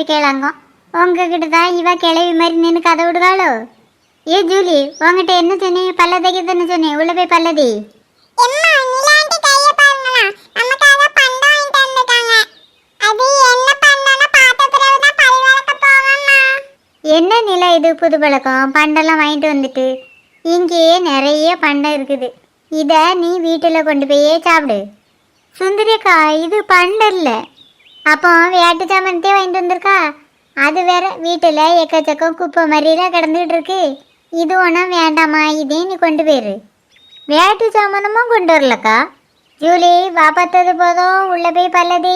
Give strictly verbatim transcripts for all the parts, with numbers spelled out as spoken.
மாதிரி கேளாங்க. உங்ககிட்ட தான் இவ கிளவி மாதிரி நின்று கதை விடுவாளோ? ஏ ஜூலி, உங்ககிட்ட என்ன சொன்னேன்? பல்ல தைக்கத்தானே சொன்னேன். உள்ள போய் பல்லதி. என்ன நிலை இது? புது பழக்கம். பண்டெல்லாம் வாங்கிட்டு வந்துட்டு இங்கேயே நிறைய பண்டம் இருக்குது. இதை நீ வீட்டில் கொண்டு போயே சாப்பிடு. சுந்தரிக்கா, இது பண்டம் இல்லை. அப்போ வேட்டு சாமானத்தையே வாங்கிட்டு வந்திருக்கா. அது வேற வீட்டில் எக்கச்சக்கம் குப்பை மாதிரிலாம் கிடந்துகிட்டு இருக்கு. இது ஒன்றும் வேண்டாமா, இதே நீ கொண்டு போயிரு. வேட்டு சாமானமும் கொண்டு வரலக்கா. ஜூலி, வா, பார்த்தது போதும். உள்ள போய் பல்லதி.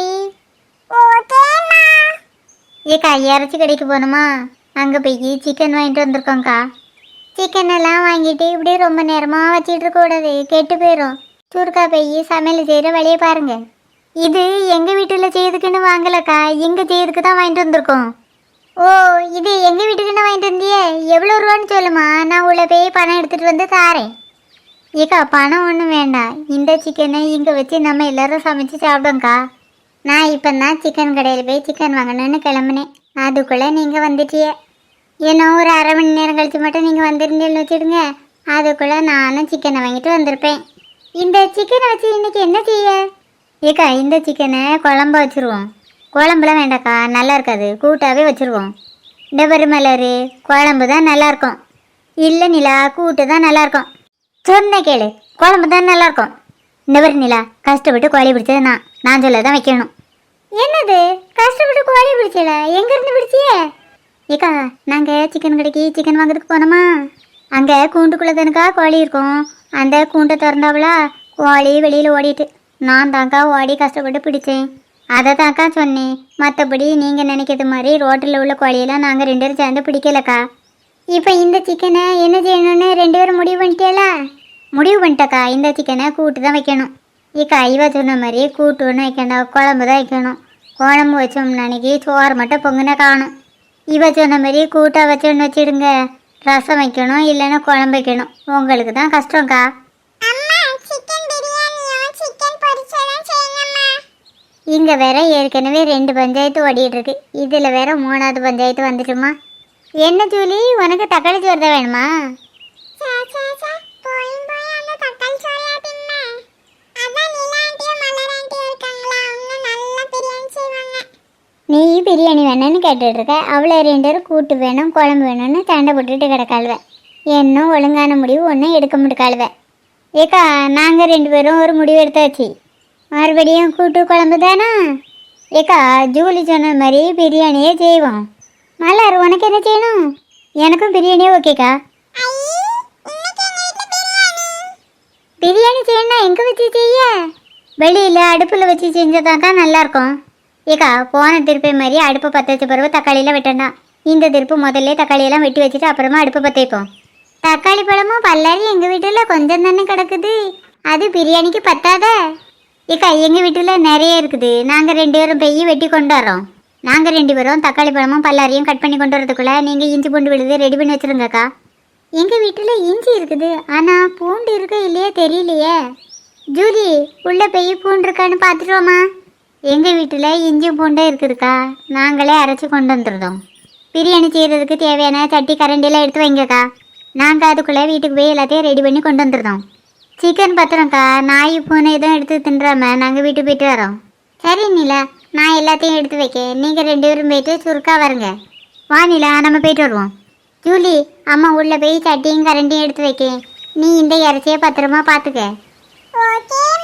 ஏக்கா, இறச்சி கடைக்கு போகணுமா? அங்கே போய் சிக்கன் வாங்கிட்டு வந்திருக்கோங்க்கா. சிக்கன் எல்லாம் வாங்கிட்டு இப்படி ரொம்ப நேரமாக வச்சிட்டு இருக்கக்கூடாது, கெட்டு போயிடும். சுருக்கா போய் சமையல் செய்கிற வழியை பாருங்க. இது எங்கள் வீட்டில் செய்யறதுக்குன்னு வாங்கலக்கா, எங்கள் செய்யறதுக்கு தான் வாங்கிட்டு வந்திருக்கோம். ஓ, இது எங்கள் வீட்டுக்குன்னு வாங்கிட்டு வந்தியே? எவ்வளோ ரூபான்னு சொல்லுமா, நான் உள்ள போய் பணம் எடுத்துகிட்டு வந்து தாரேன். ஏக்கா, பணம் ஒன்றும் வேண்டாம். இந்த சிக்கனை இங்கே வச்சு நம்ம எல்லோரும் சமைச்சு சாப்பிடுவோங்க்கா. நான் இப்போ தான் சிக்கன் கடையில் போய் சிக்கன் வாங்கணுன்னு கிளம்புனேன். அதுக்குள்ளே நீங்கள் வந்துட்டியே. ஏன்னா ஒரு அரை மணி நேரம் கழித்து மட்டும் நீங்கள் வந்திருந்தேன்னு வச்சுடுங்க. அதுக்குள்ளே நானும் சிக்கனை வாங்கிட்டு வந்திருப்பேன். இந்த சிக்கனை வச்சு இன்றைக்கி என்ன செய்ய? ஏக்கா, இந்த சிக்கனை குழம்பு வச்சுருவோம். குழம்புலாம் வேண்டாக்கா, நல்லா இருக்காது. கூட்டாகவே வச்சுருவோம். டபரு மலரு குழம்பு தான் நல்லாயிருக்கும். இல்லை நிலா, கூட்டு தான் நல்லாயிருக்கும். சொன்ன கேளு, குழம்பு தான் நல்லாயிருக்கும். டபரு நிலா, கஷ்டப்பட்டு கோழி பிடிச்சது நான் நான் சொல்ல தான் வைக்கணும். என்னது கஷ்டப்பட்டு கோழி பிடிச்சல? எங்கேருந்து பிடிச்சியே? ஏக்கா, நாங்கள் சிக்கன் கடைக்கு சிக்கன் வாங்குறதுக்கு போனோமா, அங்கே கூண்டுக்குள்ளே தானுக்கா கோழி இருக்கும். அந்த கூண்டை திறந்தாவளா கோழி வெளியில் ஓடிட்டு நான் தாங்க்கா ஓடி கஷ்டப்பட்டு பிடிச்சேன். அதை தான்க்கா சொன்னேன். மற்றபடி நீங்கள் நினைக்கிறது மாதிரி ரோட்டில் உள்ள கோழியெல்லாம் நாங்கள் ரெண்டு பேரும் சேர்ந்து பிடிக்கலக்கா. இப்போ இந்த சிக்கனை என்ன செய்யணும்னு ரெண்டு பேரும் முடிவு பண்ணிட்டேல? முடிவு பண்ணிட்டக்கா, இந்த சிக்கனை கூட்டு தான் வைக்கணும். ஏக்கா, இவ சொன்ன மாதிரி கூட்டு ஒன்று வைக்கணும், குழம்பு தான் வைக்கணும். குழம்பு வச்சோம்னு அன்னைக்கு சோறு மட்டும் பொங்குன காணும். இவ சொன்ன மாதிரி கூட்டாக வச்சோன்னு வச்சிடுங்க. ரசம் வைக்கணும், இல்லைன்னா குழம்பு வைக்கணும். உங்களுக்கு தான் கஷ்டம்க்கா. இங்கே வேற ஏற்கனவே ரெண்டு பஞ்சாயத்து ஓடிட்டு இருக்கு. இதில் வேற மூணாவது பஞ்சாயத்து வந்துட்டுமா? என்ன ஜூலி, உனக்கு தக்காளி சோறு தான் வேணுமா? நீ பிரியாணி வேணும்னு கேட்டுட்டு இருக்க. அவ்வளோ ரெண்டு பேரும் கூட்டு வேணும், குழம்பு வேணும்னு சண்டை போட்டுட்டு கிடக்காளுவேன். இன்னும் ஒழுங்கான முடிவு ஒன்றும் எடுக்க முடிக்காளுவேன். ஏக்கா, நாங்கள் ரெண்டு பேரும் ஒரு முடிவு எடுத்தாச்சு. மறுபடியும் கூட்டு குழம்பு தானா? ஏக்கா, ஜூலி சொன்ன மாதிரி பிரியாணியே செய்வோம். மலர், உனக்கு என்ன செய்யணும்? எனக்கும் பிரியாணியே ஓகேக்கா. பிரியாணி செய்யணும்னா எங்கே வச்சு செய்ய? வெளியில் அடுப்பில் வச்சு செஞ்சதாக்கா நல்லாயிருக்கும். ஏக்கா, போன திருப்பி மாதிரி அடுப்பு பற்ற வச்ச பிறகு தக்காளியெல்லாம் வெட்டண்டா. இந்த திருப்பு முதல்ல தக்காளியெல்லாம் வெட்டி வச்சுட்டு அப்புறமா அடுப்பு பற்ற வைப்போம். தக்காளி பழமும் பல்லாரி எங்கள் வீட்டில் கொஞ்சம் தானே கிடக்குது, அது பிரியாணிக்கு பத்தாத. ஏக்கா, எங்கள் வீட்டில் நிறைய இருக்குது. நாங்கள் ரெண்டு பேரும் பெய் வெட்டி கொண்டு வரோம். நாங்கள் ரெண்டு பேரும் தக்காளி பழமும் பல்லாரியும் கட் பண்ணி கொண்டு வரதுக்குள்ளே நீங்கள் இஞ்சி பூண்டு விழுது ரெடி பண்ணி வச்சுருங்கக்கா. எங்கள் வீட்டில் இஞ்சி இருக்குது, ஆனால் பூண்டு இருக்க இல்லையே தெரியலையே. ஜூலி, உள்ளே பெய் பூண்டு இருக்கான்னு பார்த்துட்டோமா? எங்கள் வீட்டில் இஞ்சி பூண்டே இருக்குதுக்கா, நாங்களே அரைச்சி கொண்டு வந்துருந்தோம். பிரியாணி செய்கிறதுக்கு தேவையான சட்டி கரண்டியெல்லாம் எடுத்து வைங்கக்கா. நாங்கள் அதுக்குள்ளே வீட்டுக்கு போய் எல்லாத்தையும் ரெடி பண்ணி கொண்டு வந்துருந்தோம். சிக்கன் பத்திரம்க்கா, நாய் பூனை எதுவும் எடுத்து தின்றாம நாங்கள் வீட்டுக்கு போயிட்டு வரோம். சரி நிலா, நான் எல்லாத்தையும் எடுத்து வைக்க, நீங்கள் ரெண்டு பேரும் போயிட்டு சுருக்கா வருங்க. வா நிலா, நம்ம போயிட்டு வருவோம். ஜூலி, அம்மா உள்ளே போய் சட்டியும் கரண்டியும் எடுத்து வைக்க, நீ இந்த இறைச்சியை பத்திரமா பார்த்துக்க. ஓகே.